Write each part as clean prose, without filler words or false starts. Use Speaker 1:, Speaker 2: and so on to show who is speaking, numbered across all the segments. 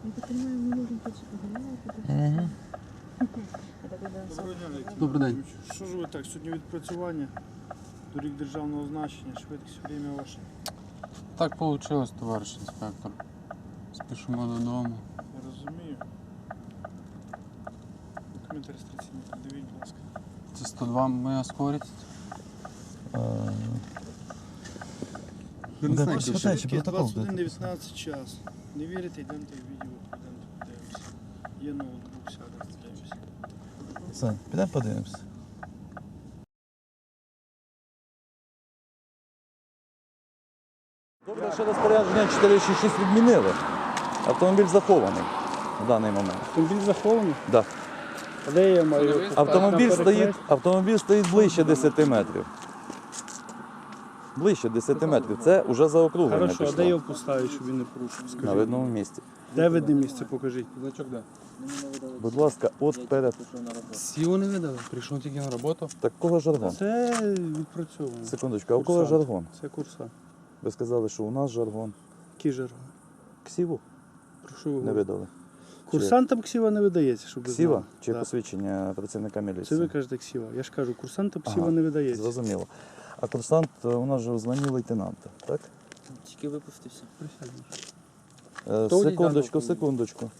Speaker 1: так понимаю, мы можем пойти погулять.
Speaker 2: Добрий день.
Speaker 3: Що ж ви так, сьогодні відпрацювання, доріг державного значення, швидкість, время ваше.
Speaker 2: Так вийшло, товариш інспектор. Спішимо додому.
Speaker 3: Я розумію. Документи реєстраційні придивіть, будь ласка.
Speaker 2: Це 102 моя скорість.
Speaker 3: Швидкість 21:19 час. Не вірите, йдемте в відео, йдемте подивимося. Є ноутбук, сядемо, подивимося.
Speaker 4: Сань, підемо подивимося. Добре, що розпорядження 466 відмінили. Автомобіль захований в даний момент.
Speaker 3: Автомобіль захований?
Speaker 4: Да.
Speaker 3: А де я маю?
Speaker 4: Автомобіль стоїть ближче 10 метрів. Ближче 10 метрів. Це вже заокруглення
Speaker 3: Хорошо, а де
Speaker 4: пішло.
Speaker 3: його поставити, щоб він не порушив?
Speaker 4: На
Speaker 3: Скажіть.
Speaker 4: видному місці.
Speaker 3: Де видне місце, покажіть.
Speaker 2: Значок де?
Speaker 4: Будь ласка, от перед.
Speaker 2: Сілу не видали, прийшов тільки на роботу.
Speaker 4: Так кого жаргон?
Speaker 3: Це відпрацьовано.
Speaker 4: Секундочку, а у кого
Speaker 3: Курсант.
Speaker 4: жаргон?
Speaker 3: Це курсант.
Speaker 4: Ви сказали, що у нас жаргон.
Speaker 3: Який жаргон?
Speaker 4: Ксіву
Speaker 3: Про що ви
Speaker 4: не
Speaker 3: говорите?
Speaker 4: видали.
Speaker 3: Курсантам ксіва не видається, щоб ви
Speaker 4: Ксіва
Speaker 3: знали.
Speaker 4: чи
Speaker 3: Да.
Speaker 4: посвідчення працівника
Speaker 3: Це
Speaker 4: міліції?
Speaker 3: ви кажете ксіва. Я ж кажу, курсантам ксіва
Speaker 4: Ага,
Speaker 3: не видається.
Speaker 4: Зрозуміло. А курсант у нас же в званні лейтенанта, так?
Speaker 5: Тільки випустився.
Speaker 3: Присядьте.
Speaker 4: Секундочку, секундочку.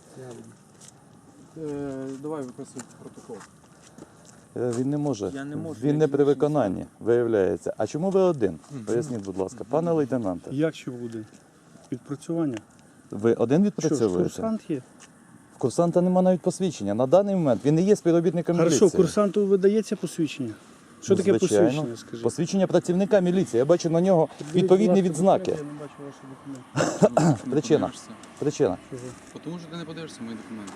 Speaker 2: Давай виписуй протокол.
Speaker 4: Він не може.
Speaker 5: Я не можу,
Speaker 4: Він
Speaker 5: я
Speaker 4: не при
Speaker 5: інший
Speaker 4: виконанні, виявляється. А чому ви один? Поясніть, будь ласка. Пане лейтенанте,
Speaker 3: Як ще буде? Відпрацювання.
Speaker 4: ви один
Speaker 3: Що ж,
Speaker 4: відпрацьовуєте?
Speaker 3: курсант є?
Speaker 4: В курсанта немає навіть посвідчення. На даний момент він не є співробітником
Speaker 3: Хорошо,
Speaker 4: міліції.
Speaker 3: курсанту видається посвідчення? Що
Speaker 4: Ну,
Speaker 3: таке
Speaker 4: звичайно.
Speaker 3: посвідчення, скажіть?
Speaker 4: Посвідчення працівника міліції. Я бачу на нього відповідні відзнаки.
Speaker 3: Я не бачу ваші документи.
Speaker 4: Причина. Причина.
Speaker 2: Тому що ти не подивишся мої документи.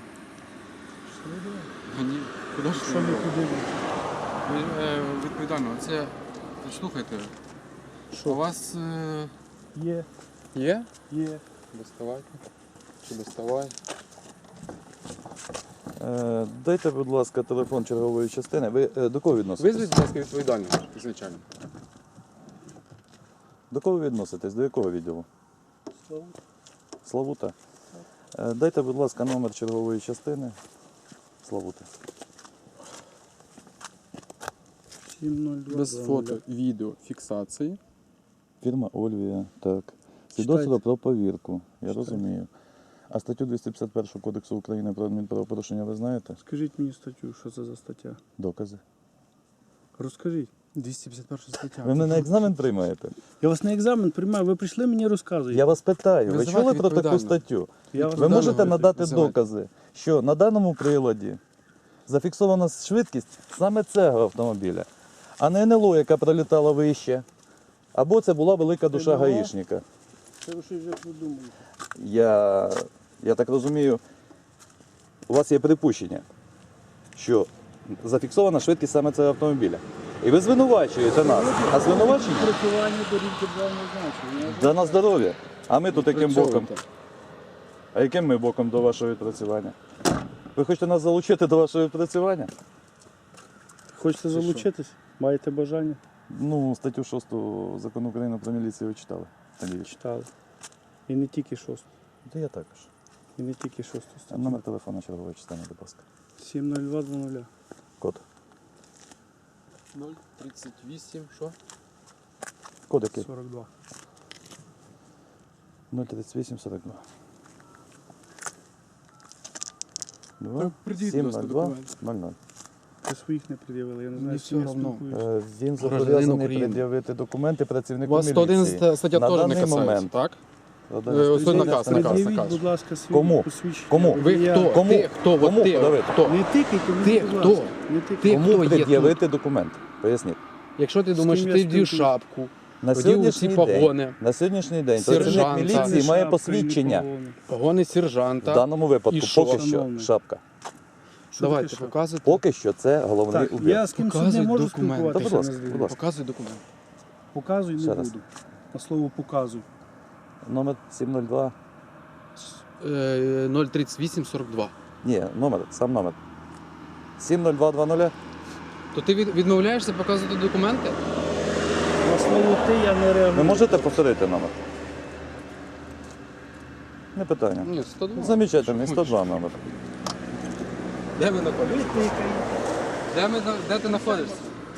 Speaker 2: Ні. Куди ж
Speaker 3: Що ви подивитесь?
Speaker 2: Відповідально, це... Слухайте,
Speaker 3: Що?
Speaker 2: у вас
Speaker 3: Є,
Speaker 2: є?
Speaker 3: є.
Speaker 2: Доставайте. Чи доставай?
Speaker 4: Дайте, будь ласка, телефон чергової частини. Ви до кого відноситесь?
Speaker 2: Визвіть, будь ласка, відповідальність ізначально.
Speaker 4: До кого ви відноситесь? До якого відділу? Славута. Дайте, будь ласка, номер чергової частини. Славута.
Speaker 3: 702.
Speaker 2: Без фото, відео, фіксації.
Speaker 4: Фірма Ольвія, так. Свідоцтво про повірку, я розумію. А статтю 251 Кодексу України про адмінправопорушення ви знаєте?
Speaker 3: Скажіть мені статтю, що це за стаття?
Speaker 4: Докази.
Speaker 3: Розкажіть.
Speaker 2: 251 стаття.
Speaker 4: Ви мене на екзамен приймаєте?
Speaker 3: Я вас на екзамен приймаю, ви прийшли мені розказуєте.
Speaker 4: Я вас питаю, ви
Speaker 2: Визивайте
Speaker 4: чули про таку
Speaker 2: відповідально.
Speaker 4: статтю?
Speaker 3: Я вас
Speaker 4: Ви
Speaker 3: не
Speaker 4: можете
Speaker 3: знаю.
Speaker 4: надати
Speaker 2: Визивайте.
Speaker 4: докази, що на даному приладі зафіксована швидкість саме цього автомобіля, а не НЛО, яка пролітала вище. Або це була велика душа
Speaker 3: НЛО?
Speaker 4: гаїшника.
Speaker 3: Це ви щось вже придумали.
Speaker 4: Я так розумію, у вас є припущення, що зафіксована швидкість саме цього автомобіля. І ви звинувачуєте нас. А звинувачення
Speaker 3: Працювання доріг державного значення.
Speaker 4: да на здоров'я. А ми тут яким боком?
Speaker 2: Відпрацьовуйте.
Speaker 4: А яким ми боком до вашого відпрацювання? Ви хочете нас залучити до вашого відпрацювання?
Speaker 3: Хочете залучитись? Маєте бажання?
Speaker 4: Ну, статтю 6 Закону України про міліцію ви читали. Надіюсь.
Speaker 3: Читали. І не тільки шосту.
Speaker 4: Та я також.
Speaker 3: І не тільки шосту статтю.
Speaker 4: Номер телефону чергової частини, будь ласка.
Speaker 3: 70220.
Speaker 4: Код.
Speaker 2: 038, що?
Speaker 4: Код який?
Speaker 3: 42.
Speaker 4: 03842.
Speaker 2: Так,
Speaker 4: 2
Speaker 2: придіть, будь ласка,
Speaker 4: 702
Speaker 2: документи.
Speaker 4: 00.
Speaker 3: Ви своїх не пред'явили, я не
Speaker 2: Мені
Speaker 3: знаю, з
Speaker 2: все
Speaker 3: ким я
Speaker 2: равно.
Speaker 3: спілкуюся.
Speaker 4: Він
Speaker 2: Гражданин
Speaker 4: зобов'язаний
Speaker 2: України.
Speaker 4: пред'явити документи
Speaker 2: У
Speaker 4: працівнику
Speaker 2: вас
Speaker 4: міліції.
Speaker 2: 111 стаття
Speaker 4: На
Speaker 2: теж не
Speaker 4: даний
Speaker 2: касається,
Speaker 4: момент.
Speaker 2: так?
Speaker 4: Ось
Speaker 2: Ось той наказ,
Speaker 3: Пред'явіть,
Speaker 2: наказ.
Speaker 3: будь ласка, свої
Speaker 4: Кому?
Speaker 3: посвідчення.
Speaker 4: Кому?
Speaker 2: Ви
Speaker 3: Я-
Speaker 2: хто?
Speaker 4: Кому?
Speaker 2: Ти хто? От
Speaker 4: Кому
Speaker 2: ти,
Speaker 4: подавити?
Speaker 2: хто?
Speaker 3: Не тикайте мені,
Speaker 2: Ти
Speaker 3: будь
Speaker 2: хто?
Speaker 3: ласка. Не тикайте.
Speaker 2: Ти
Speaker 4: Кому
Speaker 2: хто є
Speaker 4: пред'явити документ? Поясніть.
Speaker 2: Якщо ти думаєш,
Speaker 3: ким
Speaker 2: що
Speaker 3: я
Speaker 2: ти вдів
Speaker 3: спілкуюсь?
Speaker 2: шапку,
Speaker 4: На
Speaker 2: одів
Speaker 4: сьогоднішній
Speaker 2: ці
Speaker 4: день,
Speaker 2: погони,
Speaker 4: на сьогоднішній день
Speaker 2: Сержанта.
Speaker 4: працівник міліції має
Speaker 3: Шапка,
Speaker 4: посвідчення.
Speaker 3: ні погони.
Speaker 2: погони
Speaker 4: В
Speaker 2: сержанта.
Speaker 4: даному випадку
Speaker 2: І що?
Speaker 4: поки що
Speaker 3: Шановний.
Speaker 4: шапка.
Speaker 3: Що
Speaker 2: Давайте,
Speaker 3: таке шапка?
Speaker 2: показуйте.
Speaker 4: Поки що це головний
Speaker 3: Так,
Speaker 4: убір.
Speaker 3: я з ким сьогодні
Speaker 2: Показуй
Speaker 3: можу
Speaker 2: документи.
Speaker 3: спілкуватися?
Speaker 4: Та, будь ласка,
Speaker 3: не знаю.
Speaker 4: будь ласка.
Speaker 2: Показуй документ.
Speaker 3: Показуй
Speaker 4: Ще
Speaker 3: не
Speaker 4: раз.
Speaker 3: буду. На слово показуй.
Speaker 4: Номер 702.
Speaker 2: 03842.
Speaker 4: Ні, номер, сам номер. 70220.
Speaker 2: То ти відмовляєшся показувати документи?
Speaker 3: На слово ти я не реагую.
Speaker 4: Ви можете повторити номер? Не питання.
Speaker 2: Ні, 102.
Speaker 4: Замечательний, 102 номер.
Speaker 2: Де ви знаходитесь? Де ти знаходишся?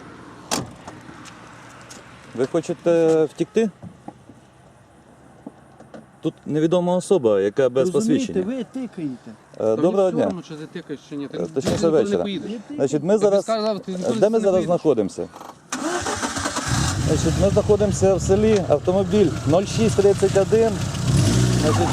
Speaker 4: Ви хочете втікти? Тут невідома особа, яка без
Speaker 3: Розумієте,
Speaker 4: посвідчення.
Speaker 3: ви тикаєте.
Speaker 4: Доброго дня.
Speaker 2: Чи ти тикаєш, чи ні? Ти
Speaker 4: Точніше,
Speaker 2: нікуди
Speaker 4: вечора.
Speaker 2: не поїдеш.
Speaker 4: Значить, ми
Speaker 2: Я тобі
Speaker 4: зараз...
Speaker 2: сказав, ти нікуди
Speaker 4: Де ми
Speaker 2: не
Speaker 4: зараз
Speaker 2: поїдеш.
Speaker 4: знаходимося? Значить, ми знаходимося в селі, автомобіль 0631. Значить,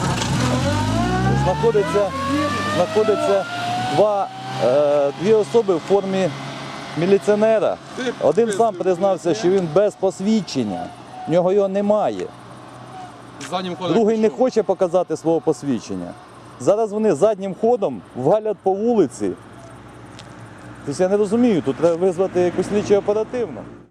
Speaker 4: знаходиться дві особи в формі міліціонера. Один сам признався, що він без посвідчення, в нього його немає.
Speaker 2: Заднім ходом
Speaker 4: Другий не
Speaker 2: пішов.
Speaker 4: хоче показати свого посвідчення. Зараз вони заднім ходом валять по вулиці. Тобто я не розумію, тут треба визвати якусь слідчу оперативну.